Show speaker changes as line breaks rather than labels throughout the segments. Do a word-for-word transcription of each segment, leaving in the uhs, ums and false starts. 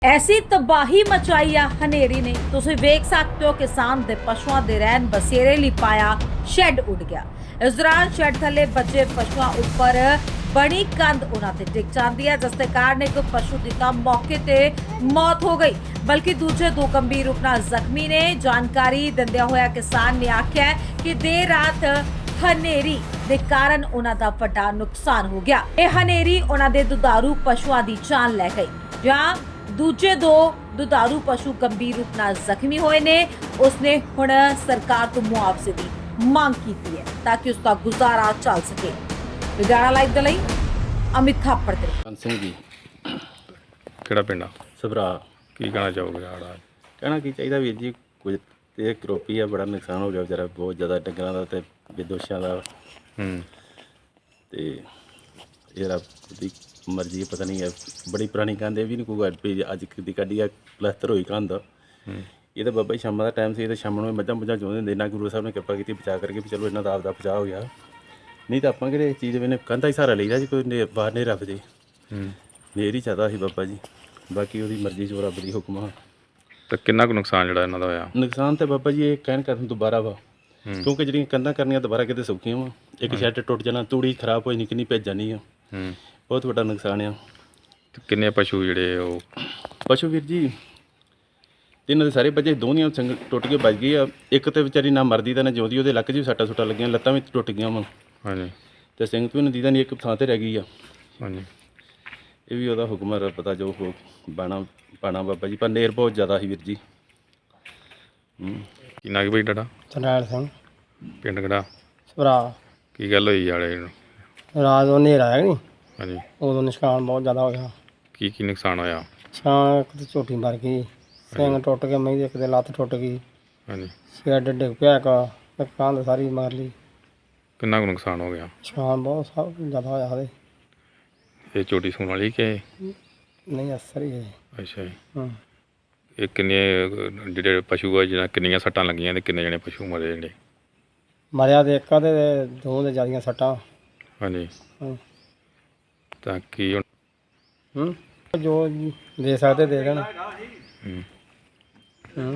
ਐਸੀ ਤਬਾਹੀ ਮਚਾਈ ਆ ਹਨੇਰੀ ਨੇ। ਤੁਸੀਂ ਵੇਖ ਸਕਦੇ ਹੋ ਕਿਸਾਨ ਦੇ ਪਸ਼ੂਆਂ ਦੇ ਰਹਿਣ ਬਸੇਰੇ ਲਈ ਪਾਇਆ ਸ਼ੈੱਡ ਉੱਡ ਗਿਆ। ਇਸ ਦੌਰਾਨ ਸ਼ੈੱਡ ਥੱਲੇ ਬੱਚੇ ਪਸ਼ੂਆਂ ਉੱਪਰ ਬਣੀ ਕੰਧ ਉਹਨਾਂ ਤੇ ਡਿੱਗ ਜਾਂਦੀ ਹੈ, ਜਿਸ ਦੇ ਕਾਰਨ ਇੱਕ ਪਸ਼ੂ ਦੀ ਤਾਂ ਮੌਕੇ ਤੇ ਮੌਤ ਹੋ ਗਈ, ਬਲਕਿ ਦੂਜੇ ਦੋ ਗੰਭੀਰ ਰੂਪ ਨਾਲ ਜ਼ਖਮੀ ਨੇ। ਜਾਣਕਾਰੀ ਦਿੰਦਿਆਂ ਹੋਇਆ ਕਿਸਾਨ ਨੇ ਆਖਿਆ ਕਿ ਦੇਰ ਰਾਤ ਹਨੇਰੀ ਦੇ ਕਾਰਨ ਉਹਨਾਂ ਦਾ ਵੱਡਾ ਨੁਕਸਾਨ ਹੋ ਗਿਆ। ਇਹ ਹਨੇਰੀ ਉਹਨਾਂ ਦੇ ਦੁਧਾਰੂ ਪਸ਼ੂਆਂ ਦੀ ਜਾਨ ਲੈ ਗਈ, ਜਾਂ ਦੂਜੇ ਦੋ ਦੁਧਾਰੂ ਪਸ਼ੂ ਗੰਭੀਰ ਰੂਪ ਨਾਲ ਜ਼ਖਮੀ ਹੋਏ ਨੇ। ਉਸਨੇ ਹੁਣ ਸਰਕਾਰ ਤੋਂ ਮੁਆਵਜ਼ੇ ਦੀ ਮੰਗ ਕੀਤੀ ਹੈ ਤਾਂ ਕਿ ਉਸ ਦਾ ਗੁਜ਼ਾਰਾ ਚੱਲ ਸਕੇ। ਲੁਧਿਆਣਾ ਲਾਈਵ ਦੇ ਲਈ ਅਮਿਤ ਥਾਪੜ ਦੇ
ਕੰਨ ਸਿੰਘ ਜੀ।
ਕਿਹੜਾ ਪਿੰਡ ਆ?
ਸਭਰਾ।
ਕੀ ਕਹਿਣਾ ਚਾਹੋਗੇ ਆੜਾ?
ਕਹਿਣਾ ਕੀ ਚਾਹੀਦਾ ਵੀਰ ਜੀ, ਕੁਝ ਤੇ ਕਰੋਪੀ ਆ, ਬੜਾ ਨੁਕਸਾਨ ਹੋ ਗਿਆ ਵਿਚਾਰਾ, ਬਹੁਤ ਜ਼ਿਆਦਾ ਡੰਗਰਾਂ ਦਾ ਤੇ ਵਿਦੋਸ਼ਾਂ ਦਾ।
ਹੂੰ
ਤੇ ਜਿਹੜਾ ਉਹਦੀ ਮਰਜ਼ੀ ਹੈ, ਪਤਾ ਨਹੀਂ ਹੈ, ਬੜੀ ਪੁਰਾਣੀ ਕੰਧ ਇਹ ਵੀ ਨਹੀਂ ਕੋਈ ਵੀ ਅੱਜ ਦੀ ਕੱਢੀ ਆ, ਪਲਸਤਰ ਹੋਈ ਕੰਧ। ਇਹ ਤਾਂ ਬਾਬਾ ਜੀ ਸ਼ਾਮਾਂ ਦਾ ਟਾਈਮ ਸੀ, ਤੇ ਸ਼ਾਮ ਨੂੰ ਮੱਝਾਂ ਮੁੱਝਾਂ ਚੋਂਦੇ ਹੁੰਦੇ, ਨਾ ਗੁਰੂ ਸਾਹਿਬ ਨੇ ਕਿਰਪਾ ਕੀਤੀ ਬਚਾ ਕਰਕੇ ਵੀ ਚਲੋ ਇਹਨਾਂ ਦਾ ਆਪਦਾ ਬਚਾਅ ਹੋ ਗਿਆ। ਨਹੀਂ ਤਾਂ ਆਪਾਂ ਕਿਹੜੇ ਇਸ ਚੀਜ਼ ਵੇਨੇ ਕੰਧਾ ਹੀ ਸਹਾਰਾ ਲਈਦਾ ਜੀ, ਕੋਈ ਨੇ ਬਾਹਰ ਨਹੀਂ ਰੱਖ ਜੇ। ਨੇਰ ਹੀ ਚਾਹਦਾ ਸੀ ਬਾਬਾ ਜੀ, ਬਾਕੀ ਉਹਦੀ ਮਰਜ਼ੀ ਚ ਰੱਬ ਦੀ ਹੁਕਮ ਆ।
ਤਾਂ ਕਿੰਨਾ ਕੁ ਨੁਕਸਾਨ ਜਿਹੜਾ ਇਹਨਾਂ ਦਾ ਹੋਇਆ?
ਨੁਕਸਾਨ ਤਾਂ ਬਾਬਾ ਜੀ ਇਹ ਕਹਿਣ ਕਰਨ ਦੁਬਾਰਾ ਵਾ, ਕਿਉਂਕਿ ਜਿਹੜੀਆਂ ਕੰਧਾਂ ਕਰਨੀਆਂ ਦੁਬਾਰਾ ਕਿਤੇ ਸੌਖੀਆਂ ਵਾ। ਇੱਕ ਸ਼ੈੱਡ ਟੁੱਟ ਜਾਣਾ, ਤੂੜੀ ਖਰਾਬ ਹੋਈ ਨਿਕਲਣੀ ਭੇਜ ਜਾਣੀ ਆ,
ਹੂੰ
ਬਹੁਤ ਵੱਡਾ ਨੁਕਸਾਨ ਆ।
ਤੇ ਕਿੰਨੇ ਪਸ਼ੂ ਜਿਹੜੇ ਉਹ?
ਪਸ਼ੂ ਵੀਰ ਜੀ ਤਿੰਨ ਦੇ ਸਾਰੇ ਬੱਚੇ, ਦੋਨੀਆਂ ਸੰਗ ਟੁੱਟ ਕੇ ਵੱਜ ਗਈ ਆ। ਇੱਕ ਤੇ ਵਿਚਾਰੀ ਨਾ ਮਰਦੀ ਤਾਂ ਨਾ ਜਿਉਂਦੀ, ਉਹਦੇ ਲੱਕ 'ਚ ਵੀ ਸੱਟਾਂ ਸੁੱਟਾਂ ਲੱਗੀਆਂ, ਲੱਤਾਂ ਵੀ ਟੁੱਟ ਗਈਆਂ ਵਾ।
ਹਾਂਜੀ।
ਤੇ ਸਿੰਘ ਤੋਂ ਨਦੀ ਦਾ ਨਹੀਂ, ਇੱਕ ਥਾਂ ਤੇ ਰਹਿ ਗਈ ਆ।
ਹਾਂਜੀ।
ਇਹ ਵੀ ਉਹਦਾ ਹੁਕਮ ਹੈ, ਪਤਾ ਜੋ ਹੋ ਬਾਣਾ ਪਾਣਾ ਬਾਬਾ ਜੀ, ਪਰ ਨੇਰ ਬਹੁਤ ਜ਼ਿਆਦਾ ਸੀ ਵੀਰ ਜੀ। ਹੂੰ
ਕੀ ਨਾਂ ਕੀ ਬਈ ਤੁਹਾਡਾ?
ਚੰਡਾਲ ਸਿੰਘ,
ਪਿੰਡ ਕਿਹੜਾ?
ਭਰਾ।
ਕੀ ਗੱਲ ਹੋਈ ਵਾਲੇ ਨੂੰ?
ਰਾਤ ਨੂੰ ਹਨੇਰਾ ਆਇਆ ਨਹੀਂ,
ਹਾਂਜੀ।
ਉਦੋਂ ਨੁਕਸਾਨ ਬਹੁਤ ਜ਼ਿਆਦਾ ਹੋ ਗਿਆ।
ਕੀ ਕੀ ਨੁਕਸਾਨ ਹੋਇਆ?
ਛਾਂ ਇੱਕ ਤੇ ਝੋਟੀ ਮਰ ਗਈ, ਸਿੰਘ ਟੁੱਟ ਕੇ ਮਹੀਂ ਦੀ ਇੱਕ ਦੇ ਲੱਤ ਟੁੱਟ ਗਈ,
ਹਾਂਜੀ।
ਸ਼ੈੱਡ ਡਿੱਗ ਪਿਆ, ਇੱਕ ਕੰਧ ਸਾਰੀ ਮਾਰ ਲਈ।
ਕਿੰਨਾ ਕੁ ਨੁਕਸਾਨ ਹੋ ਗਿਆ?
ਛਾਂ ਬਹੁਤ ਸਭ ਜ਼ਿਆਦਾ ਹੋਇਆ ਉਹਦੇ।
ਇਹ ਛੋਟੀ ਸੂਣ ਵਾਲੀ ਕਿ?
ਨਹੀਂ ਅਸਰ ਹੀ ਹੈ।
ਅੱਛਾ ਜੀ।
ਹਾਂ।
ਇਹ ਕਿੰਨੇ ਅਹ, ਜਿਹੜੇ ਪਸ਼ੂ ਆ, ਜਿਹਨਾਂ ਕਿੰਨੀਆਂ ਸੱਟਾਂ ਲੱਗੀਆਂ ਤੇ ਕਿੰਨੇ ਜਣੇ ਪਸ਼ੂ ਮਰੇ ਜਿਹੜੇ?
ਮਰਿਆ ਤੇ ਇੱਕ ਤੇ ਦੋ ਦੇ ਜ਼ਿਆਦੀਆਂ ਸੱਟਾਂ।
ਹਾਂਜੀ।
ਹਾਂ।
ਤਾਂ ਕੀ ਹੁਣ?
ਹੂੰ ਜੋ ਦੇ ਸਕਦੇ ਦੇ ਦੇਣ।
ਹੂੰ।
ਹੂੰ।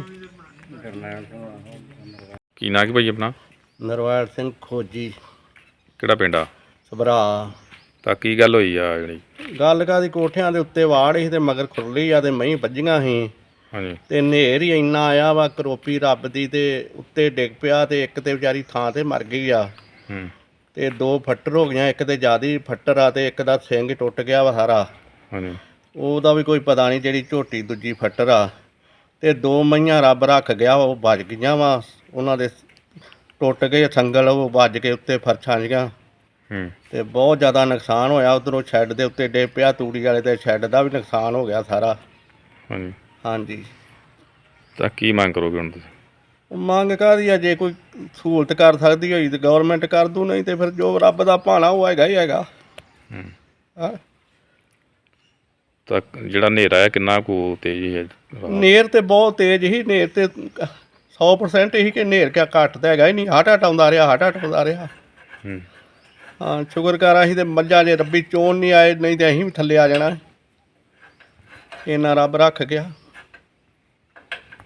ਕੀ ਨਾਂ ਕੀ ਭਾਈ ਆਪਣਾ?
ਨਰਵੈਲ ਸਿੰਘ ਖੋਜੀ,
ਕਿਹੜਾ ਪਿੰਡ ਆ?
ਸਭਰਾ।
ਤਾਂ ਕੀ ਗੱਲ ਹੋਈ ਆ ਜਿਹੜੀ?
ਗੱਲ ਕਾਦੀ, ਕੋਠਿਆਂ ਦੇ ਉੱਤੇ ਵਾੜ ਸੀ ਤੇ ਮਗਰ ਖੁਰਲੀ ਆ ਤੇ ਮਹੀਂ ਵੱਜੀਆਂ ਸੀ,
ਹਾਂਜੀ।
ਤੇ ਹਨੇਰ ਹੀ ਇੰਨਾ ਆਇਆ ਵਾ, ਕਰੋਪੀ ਰੱਬ ਦੀ, ਤੇ ਉੱਤੇ ਡਿੱਗ ਪਿਆ ਤੇ ਇੱਕ ਤੇ ਵਿਚਾਰੀ ਥਾਂ ਤੇ ਮਰ ਗਈ ਆ।
ਹੂੰ।
ਤੇ ਦੋ ਫੱਟਰ ਹੋ ਗਈਆਂ, ਇੱਕ ਤੇ ਜ਼ਿਆਦਾ ਫੱਟਰ ਆ ਤੇ ਇੱਕ ਦਾ ਸਿੰਘ ਟੁੱਟ ਗਿਆ ਵਾ ਸਾਰਾ।
ਹਾਂਜੀ।
ਉਹਦਾ ਵੀ ਕੋਈ ਪਤਾ ਨਹੀਂ, ਜਿਹੜੀ ਝੋਟੀ ਦੂਜੀ ਫੱਟਰ ਆ। ਤੇ ਦੋ ਮਈਆਂ ਰੱਬ ਰੱਖ ਗਿਆ, ਉਹ ਵੱਜ ਗਈਆਂ ਵਾ, ਉਹਨਾਂ ਦੇ ਟੁੱਟ ਗਏ ਸੰਗਲ, ਉਹ ਵੱਜ ਕੇ ਉੱਤੇ ਫਰਸ਼ਾਂ ਜੀਆਂ।
ਹੂੰ।
ਤੇ ਬਹੁਤ ਜ਼ਿਆਦਾ ਨੁਕਸਾਨ ਹੋਇਆ। ਉੱਧਰੋਂ ਸ਼ੈੱਡ ਦੇ ਉੱਤੇ ਡੇ ਪਿਆ, ਤੂੜੀ ਵਾਲੇ ਤੇ ਸ਼ੈੱਡ ਦਾ ਵੀ ਨੁਕਸਾਨ ਹੋ ਗਿਆ ਸਾਰਾ।
ਹਾਂਜੀ।
ਹਾਂਜੀ।
ਤਾਂ ਕੀ ਮੰਗ ਕਰੋਗੇ ਹੁਣ ਤੁਸੀਂ?
ਮੰਗ ਕਾਹਦੀ ਆ, ਜੇ ਕੋਈ ਸਹੂਲਤ ਕਰ ਸਕਦੀ ਹੋਈ ਤੇ ਗਵਰਨਮੈਂਟ ਕਰ ਦੂ, ਨਹੀਂ ਤੇ ਫਿਰ ਜੋ ਰੱਬ ਦਾ ਭਾਣਾ ਉਹ ਹੈਗਾ ਹੀ ਹੈਗਾ।
ਹੂੰ।
ਹਾਂ।
ਤਾਂ ਜਿਹੜਾ ਹਨੇਰਾ ਹੈ ਕਿੰਨਾ ਕੁ ਤੇਜ਼ ਹੈ?
ਨੇਰ ਤੇ ਬਹੁਤ ਤੇਜ਼ ਹੀ, ਨੇਰ ਤੇ ਸੌ ਪਰਸੈਂਟ ਹੀ ਕਿ ਨੇਰ ਕਿਆ ਘੱਟ ਤਾਂ ਹੈਗਾ ਹੀ ਨਹੀਂ, ਹਟ ਹਟ ਆਉਂਦਾ ਰਿਹਾ, ਹਟ ਹਟ ਆਉਂਦਾ ਰਿਹਾ।
ਹੂੰ।
ਹਾਂ, ਸ਼ੁਕਰ ਕਰ ਅਸੀਂ ਤੇ ਮੱਝਾਂ ਜੇ ਰੱਬੀ ਚੋਣ ਨਹੀਂ ਆਏ, ਨਹੀਂ ਤੇ ਅਸੀਂ ਵੀ ਥੱਲੇ ਆ ਜਾਣਾ। ਇੰਨਾ ਰੱਬ ਰੱਖ ਗਿਆ।